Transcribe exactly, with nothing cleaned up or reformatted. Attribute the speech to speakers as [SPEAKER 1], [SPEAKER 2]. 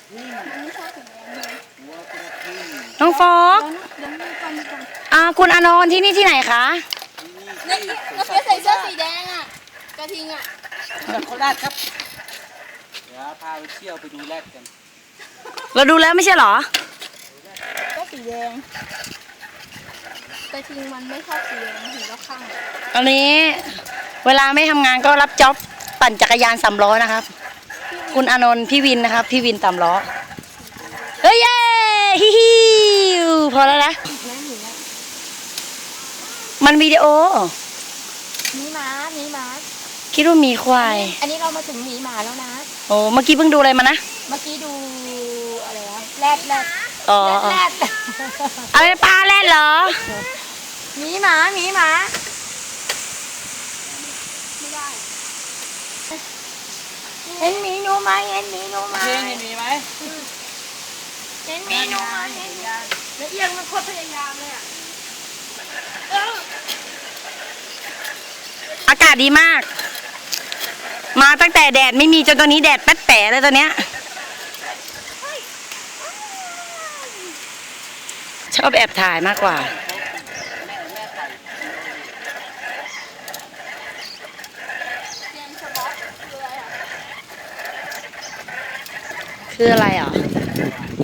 [SPEAKER 1] น้องฟอกอ่าคุณอานนท์ที่นี่ที่ไหนคะ
[SPEAKER 2] นี่เราเฟียใส่เสื้อสีแดงอ่ะกระทิงอ่ะ
[SPEAKER 3] จากโคราชครับเดี๋ยวพาไปเที่ยวไปดูแรดกัน
[SPEAKER 1] เราดูแล้วไม่ใช่เหรอ
[SPEAKER 2] ก็สีแดงกระทิงมันไม่ชอบสีแดงเห็นแล้วข้าง
[SPEAKER 1] ตอนนี้เวลาไม่ทำงานก็รับจ็อบปั่นจักรยานสามล้อนะครับคุณอานนท์พี่วินนะครับพี่วินสามล้อเฮ้ยเย้ฮิฮิวพอแล้วนะมันวิดีโอ
[SPEAKER 2] มีหมามีหมา
[SPEAKER 1] คิดว่ามีควาย
[SPEAKER 2] อันนี้เรามาถึงหมีหมาแล้วนะ
[SPEAKER 1] โอ้เมื่อกี้เพิ่งดูอะไรมานะ
[SPEAKER 2] เมื่อกี้ดูอะไรวะแรดแรด
[SPEAKER 1] อ๋อ
[SPEAKER 2] แรด
[SPEAKER 1] อะไรปลาแรดเหรอ
[SPEAKER 2] หมีหมาหมีหมาเห็นหมีหนูไหมเห็นหมีหนูไหม
[SPEAKER 3] เห็นหมีไหม
[SPEAKER 2] เห็นหมีหนูไหมเห็นแล้วเอียงมันโคตรพยายามเลยอ่ะ
[SPEAKER 1] อากาศดีมากมาตั้งแต่แดดไม่มีจนตอนนี้แดดแป๊ดแป๋เลยตอนเนี้ยชอบแอบถ่ายมากกว่าคืออะไรอ่ะ